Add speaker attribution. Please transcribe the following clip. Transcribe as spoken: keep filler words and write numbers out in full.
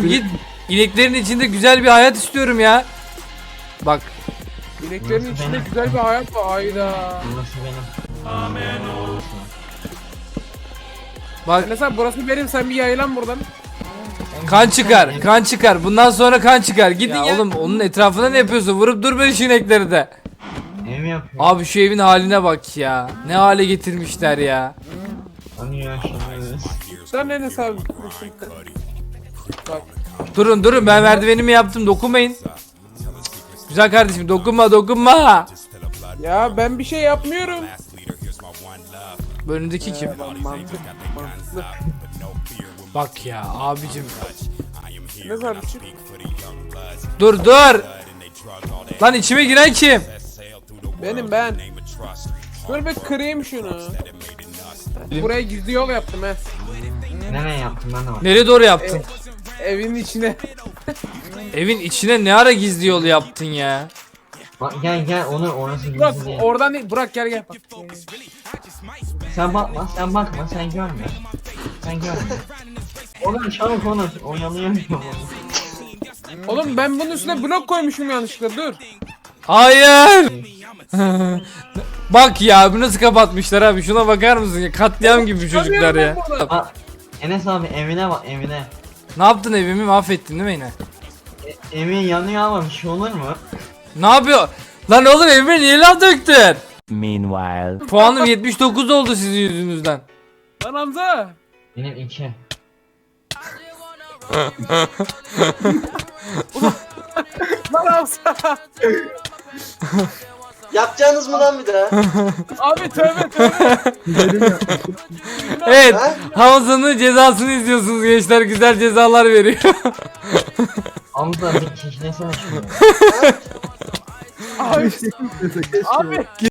Speaker 1: git. İneklerin içinde güzel bir hayat istiyorum ya. Bak.
Speaker 2: İneklerin
Speaker 3: Burası
Speaker 2: içinde
Speaker 3: benim.
Speaker 2: güzel bir hayat var. Hayda.
Speaker 3: Burası benim.
Speaker 1: Bak
Speaker 2: Mesela burası benim, sen bir yaylan buradan.
Speaker 1: kan çıkar. Kan çıkar. Bundan sonra kan çıkar. Gidin ya. Oğlum onun etrafına ne yapıyorsun? Vurup durma şu inekleri de.
Speaker 3: Ev mi yapıyor?
Speaker 1: Abi şu evin haline bak ya. Ne hale getirmişler ya.
Speaker 3: Hani ya şimdi.
Speaker 2: Sen ne hesabı? Bak.
Speaker 1: Durun durun ben merdivenimi yaptım. Dokunmayın. Güzel kardeşim dokunma dokunma.
Speaker 2: Ya ben bir şey yapmıyorum.
Speaker 1: Bu önündeki kim?
Speaker 2: Mantık, mantıklı.
Speaker 1: Bak ya abicim.
Speaker 2: Ne sarmışım?
Speaker 1: Dur dur. Lan içime giren kim?
Speaker 2: Benim ben. Dur bir kırayım şunu. Buraya gizli yol yaptım he.
Speaker 3: Nereye yaptın lan o?
Speaker 1: Nereye doğru yaptın?
Speaker 2: Evin içine.
Speaker 1: Evin içine ne ara gizli yol yaptın ya?
Speaker 3: Bak gel gel onu orası
Speaker 2: Burak
Speaker 3: gizli değil.
Speaker 2: oradan değil. Burak gel gel. Bak.
Speaker 3: Sen bakma sen bakma sen görme. Sen görme. Oğlum çabuk konuş oyalayamıyorum onu.
Speaker 2: Oğlum ben bunun üstüne blok koymuşum yanlışlıkla, dur.
Speaker 1: Hayır. Bak ya bu nasıl kapatmışlar abi şuna bakar mısın ya katliam gibi bu çocuklar ya.
Speaker 3: Aa, Enes abi evine bak evine.
Speaker 1: Ne yaptın evimi mahvettin değil mi yine?
Speaker 3: E, evin yanıyor ama bir şey olur mu?
Speaker 1: Ne yapıyor? Lan oğlum evime niye laf döktün?
Speaker 4: Meanwhile.
Speaker 1: Puanım yetmiş dokuz oldu sizin yüzünüzden.
Speaker 2: Lan Hamza.
Speaker 3: Benim iki.
Speaker 2: Lan Hamza.
Speaker 5: Yapacaksınız mı lan bir daha?
Speaker 2: Abi tövbe tövbe.
Speaker 1: Evet
Speaker 5: Ha?
Speaker 1: Hamza'nın cezasını izliyorsunuz gençler güzel cezalar veriyor.
Speaker 3: Hamza bir kişilesene şunu.
Speaker 2: Abi. Abi.